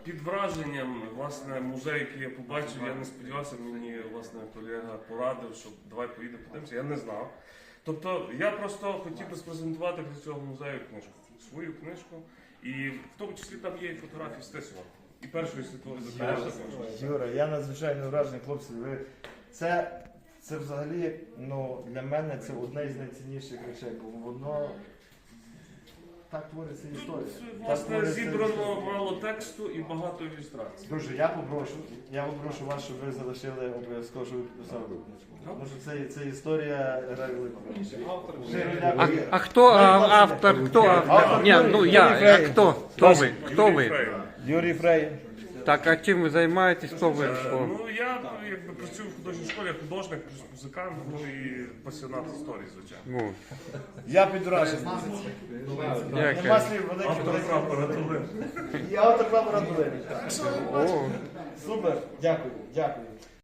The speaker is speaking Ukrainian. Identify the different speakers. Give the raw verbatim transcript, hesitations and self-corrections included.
Speaker 1: під враженням, власне, музей, який я побачив, я не сподівався, мені, власне, колега порадив, що давай поїдемо подивимося, я не знав. Тобто, я просто хотів би спрезентувати для цього музею книжку, свою книжку, і в тому числі там є і фотографії Стесова, і Першої світової допомоги.
Speaker 2: Юра, я надзвичайно вражений, хлопці. Ви... Це, це взагалі, ну, для мене це одне із найцінніших речей, бо воно так твориться історія.
Speaker 1: Тут,
Speaker 2: Так
Speaker 1: власне,
Speaker 2: твориться
Speaker 1: зібрано
Speaker 2: історія.
Speaker 1: мало тексту і багато ілюстрацій.
Speaker 2: Друже, я попрошу, я попрошу вас, щоб ви залишили обов'язково, щоб ви підписали книжку. Тому що це, це історія грає велику роль.
Speaker 3: А, а кто а, автор? Кто автор? Не, ну я, а кто? Кто вы? Кто
Speaker 1: Юрій
Speaker 3: вы?
Speaker 1: Фрейм.
Speaker 2: Юрій Фрей.
Speaker 3: Так, а чим ви займаєтесь? Хто ви?
Speaker 1: Е,
Speaker 3: Що?
Speaker 1: Ну, я якби працюю в художній школі, я художник, плюс музикант, ну і пасіонат історії, звичайно.
Speaker 3: Ну,
Speaker 2: Я під враженням. Нема
Speaker 3: дякую.
Speaker 2: слів великих.
Speaker 1: Автор прапора Долини.
Speaker 2: І автор прапора Долини.
Speaker 3: О.
Speaker 2: Супер, дякую, дякую.